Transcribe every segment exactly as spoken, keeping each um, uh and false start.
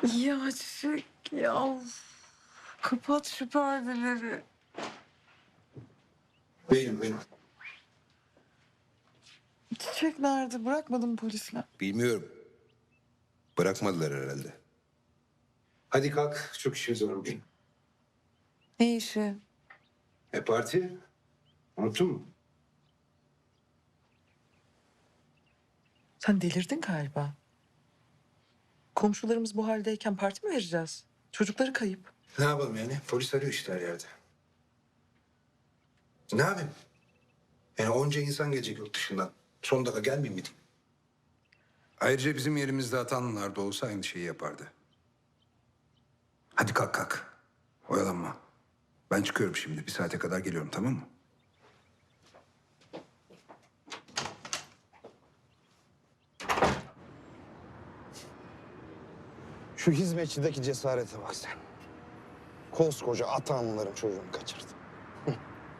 Ya Çiçek ya. Of. Kapat şu perdeleri. Benim benim. Çiçek nerede? Bırakmadın mı polisler? Bilmiyorum. Bırakmadılar herhalde. Hadi kalk. Çok işimiz var bugün. Ne işi? E parti? Unuttun mu? Sen delirdin galiba. Komşularımız bu haldeyken parti mi vereceğiz? Çocukları kayıp. Ne yapalım yani? Polis arıyor işte her yerde. Ne yapayım? Yani onca insan gelecek yurt dışından. Son dakika gelmeyeyim mi diyeyim? Ayrıca bizim yerimizde atanlar da olsa aynı şeyi yapardı. Hadi kalk kalk. Oyalanma. Ben çıkıyorum şimdi. Bir saate kadar geliyorum, tamam mı? Şu hizmetçideki cesarete bak sen. Koskoca Atanlıların çocuğunu kaçırdı. Hı.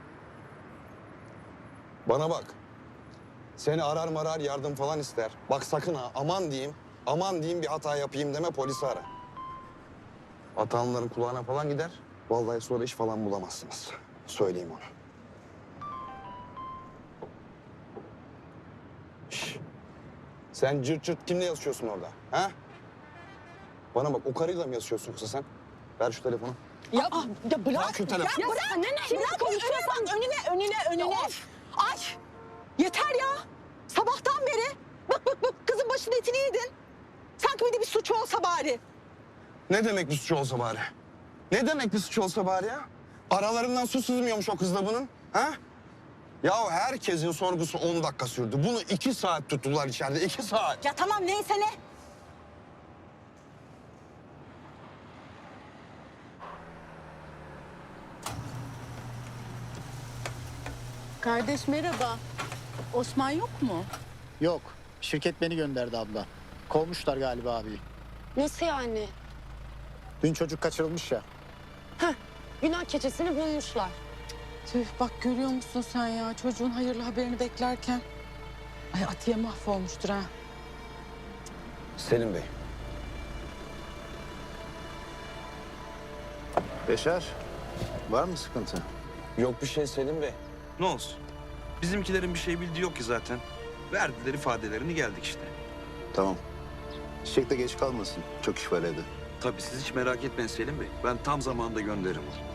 Bana bak. Seni arar marar yardım falan ister. Bak sakın ha aman diyeyim, aman diyeyim bir hata yapayım deme polisi ara. Atanlıların kulağına falan gider. Vallahi sonra iş falan bulamazsınız. Söyleyeyim onu. Şş. Sen cırt cırt kimle yazışıyorsun orada? Ha? Bana bak o karıyla mı yazışıyorsun yoksa sen? Ver şu telefonu. Ya, ya bırak. Bırak şu telefonu. Ya bırak. Ne, ne, Şimdi konuşuyorsan önüne, önüne, önüne. Ay, yeter ya. Sabahtan beri bak bak bak kızın başının etini yedin. Sanki bir de bir suçu olsa bari. Ne demek bir suçu olsa bari? Ne demek bir suçu olsa bari ya? Aralarından su sızmıyormuş o kızla bunun. Ha? Ya herkesin sorgusu on dakika sürdü. Bunu iki saat tuttular içeride. iki saat. Ya tamam neyse ne. Kardeş merhaba. Osman yok mu? Yok. Şirket beni gönderdi abla. Kovmuşlar galiba abi. Nasıl yani? Dün çocuk kaçırılmış ya. Günah keçesini bulmuşlar. Tüh bak görüyor musun sen ya çocuğun hayırlı haberini beklerken. Ay Atiye mahvolmuştur ha. Selim Bey. Beşer, var mı sıkıntı? Yok bir şey Selim Bey. Ne olsun? Bizimkilerin bir şey bildiği yok ki zaten. Verdiler ifadelerini geldik işte. Tamam. Çiçek de geç kalmasın. Çok iş var evde. Tabii siz hiç merak etmeyin Selim Bey. Ben tam zamanında gönderirim onu.